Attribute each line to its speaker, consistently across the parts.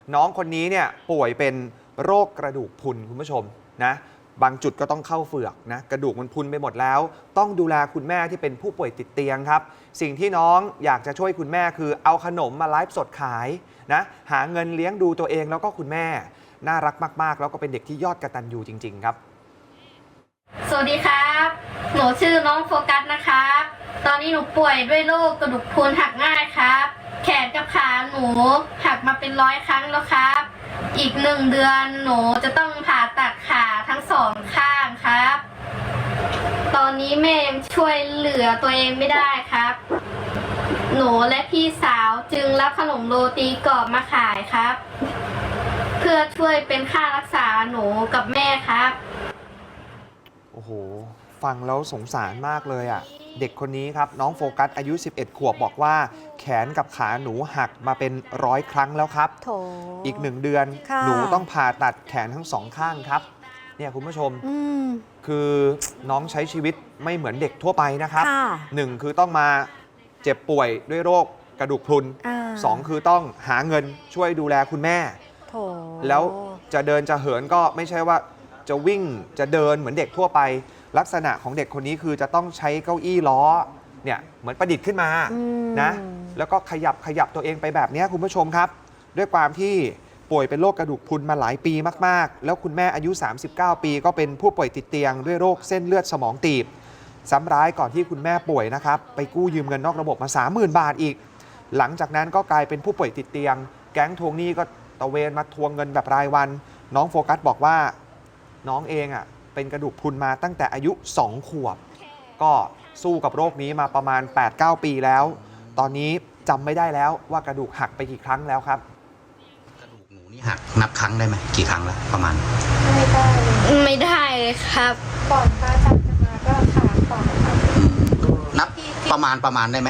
Speaker 1: น้องคนนี้เนี่ยป่วยเป็นโรคกระดูกพรุนคุณผู้ชมนะบางจุดก็ต้องเข้าเฝือกนะกระดูกมันพรุนไปหมดแล้วต้องดูแลคุณแม่ที่เป็นผู้ป่วยติดเตียงครับสิ่งที่น้องอยากจะช่วยคุณแม่คือเอาขนมมาไลฟ์สดขายนะหาเงินเลี้ยงดูตัวเองแล้วก็คุณแม่น่ารักมากๆแล้วก็เป็นเด็กที่ยอดกตัญญูจริงๆครับ
Speaker 2: สวัสดีครับหนูชื่อน้องโฟกัสนะครับตอนนี้หนูป่วยด้วยโรคกระดูกพรุนหักง่ายครับแขนกับขาหนูหักมาเป็น100 ครั้งแล้วครับอีก1 เดือนหนูจะต้องผ่าตัดขาทั้ง2 ข้างครับตอนนี้แม่ช่วยเหลือตัวเองไม่ได้ครับหนูและพี่สาวจึงรับขนมโรตีกรอบมาขายครับเพื่อช่วยเป็นค่ารักษาหนูกับแม่ครับ
Speaker 1: โอ้โหฟังแล้วสงสารมากเลยอ่ะเด็กคนนี้ครับน้องโฟกัสอายุ11 ขวบบอกว่าแขนกับขาหนูหักมาเป็น100 ครั้งแล้วครับอีก1 เดือนหนูต้องผ่าตัดแขนทั้ง2 ข้างครับเนี่ยคุณผู้ชมคือน้องใช้ชีวิตไม่เหมือนเด็กทั่วไปนะครับ1คือต้องมาเจ็บป่วยด้วยโรคกระดูกพรุน2คือต้องหาเงินช่วยดูแลคุณแม่แล้วจะเดินจะเหินก็ไม่ใช่ว่าจะวิ่งจะเดินเหมือนเด็กทั่วไปลักษณะของเด็กคนนี้คือจะต้องใช้เก้าอี้ล้อเนี่ยเหมือนประดิษฐ์ขึ้นมานะแล้วก็ขยับตัวเองไปแบบนี้คุณผู้ชมครับด้วยความที่ป่วยเป็นโรคกระดูกพรุนมาหลายปีมากๆแล้วคุณแม่อายุ 39 ปีก็เป็นผู้ป่วยติดเตียงด้วยโรคเส้นเลือดสมองตีบซ้ำร้ายก่อนที่คุณแม่ป่วยนะครับไปกู้ยืมเงินนอกระบบมา 30,000 บาทอีกหลังจากนั้นก็กลายเป็นผู้ป่วยติดเตียงแก๊งทวงหนี้ก็ตะเวนมาทวงเงินแบบรายวันน้องโฟกัสบอกว่าน้องเองอ่ะเป็นกระดูกพรุนมาตั้งแต่อายุ 2 ขวบก็สู้กับโรคนี้มาประมาณ 8-9 ปีแล้วตอนนี้จำไม่ได้แล้วว่ากระดูกหักไปกี่ครั้งแล้วครับ
Speaker 3: กระดูกหนูนี่หักนับครั้งได้ไหมกี่ครั้งแล้วประมาณ
Speaker 2: ไม่ได้เลยครับ
Speaker 4: ก่อนพระอาจารย์จะมาก็ขาก่อนครับ
Speaker 3: นับประมาณได้ไหม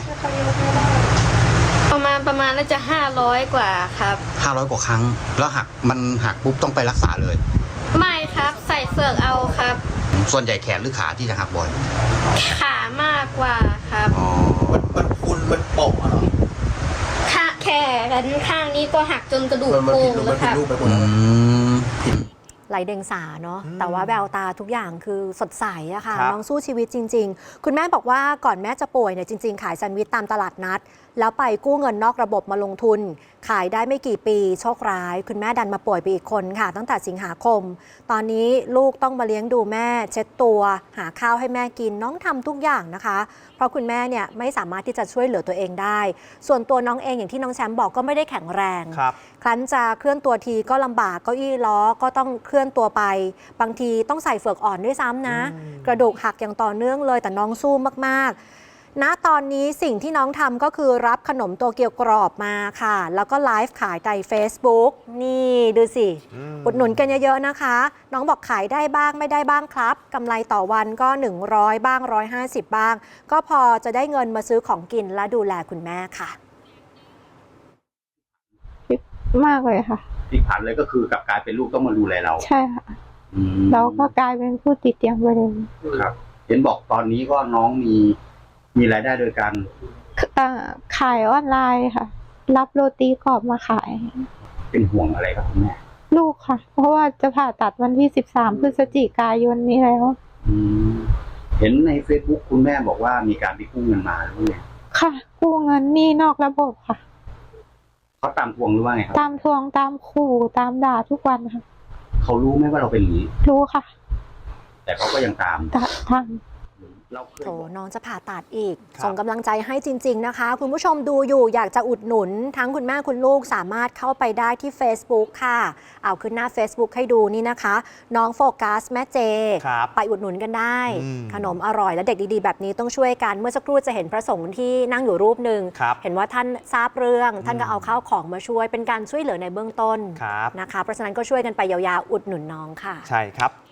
Speaker 2: ประมาณน่าจะ500 กว่าครับ
Speaker 3: 500 กว่าครั้งแล้วมันหักปุ๊บต้องไปรักษาเลย
Speaker 2: ไม่ครับใส่เฟือกเอาครับ
Speaker 3: ส่วนใหญ่แขนหรือขาที่จะหักบ่อย
Speaker 2: ขามากกว่าครับ
Speaker 3: มันพุนมันโป่งเหรอ
Speaker 2: แขนข้างนี้ก็หักจนกระดูกโป่งแล้วครับ
Speaker 5: ไหลเดงสาเนาะแต่ว่าแววตาทุกอย่างคือสดใสอะค่ะน้องสู้ชีวิตจริงๆคุณแม่บอกว่าก่อนแม่จะป่วยเนี่ยจริงๆขายแซนด์วิชตามตลาดนัดแล้วไปกู้เงินนอกระบบมาลงทุนขายได้ไม่กี่ปีโชคร้ายคุณแม่ดันมาป่วยไปอีกคนค่ะตั้งแต่สิงหาคมตอนนี้ลูกต้องมาเลี้ยงดูแม่เช็ดตัวหาข้าวให้แม่กินน้องทำทุกอย่างนะคะเพราะคุณแม่เนี่ยไม่สามารถที่จะช่วยเหลือตัวเองได้ส่วนตัวน้องเองอย่างที่น้องแชมป์บอกก็ไม่ได้แข็งแรงครั้นจะเคลื่อนตัวทีก็ลำบากเก้าอี้ล้อก็ต้องเคลื่อนตัวไปบางทีต้องใส่เฟือกอ่อนด้วยซ้ำนะกระดูกหักอย่างต่อเนื่องเลยแต่น้องสู้มากๆณตอนนี้สิ่งที่น้องทำก็คือรับขนมโตเกียวกรอบมาค่ะแล้วก็ไลฟ์ขายใน Facebook นี่ดูสิอุดหนุนกันเยอะๆนะคะน้องบอกขายได้บ้างไม่ได้บ้างครับกำไรต่อวันก็100บ้าง150บ้างก็พอจะได้เงินมาซื้อของกินและดูแลคุณแม่ค่ะ
Speaker 4: มากเลยค่ะ
Speaker 3: พลิกผันเลยก็คือกลับกลายเป็นลูกต้องมาดูแลเรา
Speaker 4: ใช่ค่ะเราก็กลายเป็นผู้ติดเตียงไปเลย
Speaker 3: ครับเห็นบอกตอนนี้ก็น้องมีรายได้โดยการ
Speaker 4: ขายออนไลน์ค่ะรับโรตีกรอบมาขาย
Speaker 3: เป็นห่วงอะไรครับคุณแม่
Speaker 4: ลูกค่ะเพราะว่าจะผ่าตัดวันที่13 พฤศจิกายนนี้แล้ว
Speaker 3: เห็นใน Facebook คุณแม่บอกว่ามีการไปกู้เงินมาหรือไง
Speaker 4: ค่ะกู้เงินนี่นอกระบบค่ะ
Speaker 3: เขาตามทวงหรือว่าไงครับ
Speaker 4: ตามทวงตามขู่ตามด่าทุกวันค่ะ
Speaker 3: เขารู้ไหมว่าเราเป็นอย่างนี้
Speaker 4: รู้ค่ะ
Speaker 3: แต่เขาก็ยังตาม
Speaker 5: โถน้องจะผ่าตัดอีกส่งกำลังใจให้จริงๆนะคะคุณผู้ชมดูอยู่อยากจะอุดหนุนทั้งคุณแม่คุณลูกสามารถเข้าไปได้ที่ Facebook ค่ะเอาขึ้นหน้า Facebook ให้ดูนี่นะคะน้องโฟกัสแม่เจไปอุดหนุนกันได้ขนมอร่อยและเด็กดีๆแบบนี้ต้องช่วยกันเมื่อสักครู่จะเห็นพระสงฆ์ที่นั่งอยู่รูปหนึ่งเห็นว่าท่านทราบเรื่องท่านก็เอาข้าวของมาช่วยเป็นการช่วยเหลือในเบื้องต้นนะคะเพราะฉะนั้นก็ช่วยกันไปยาวๆอุดหนุนน้องค่ะ
Speaker 1: ใช่ครับ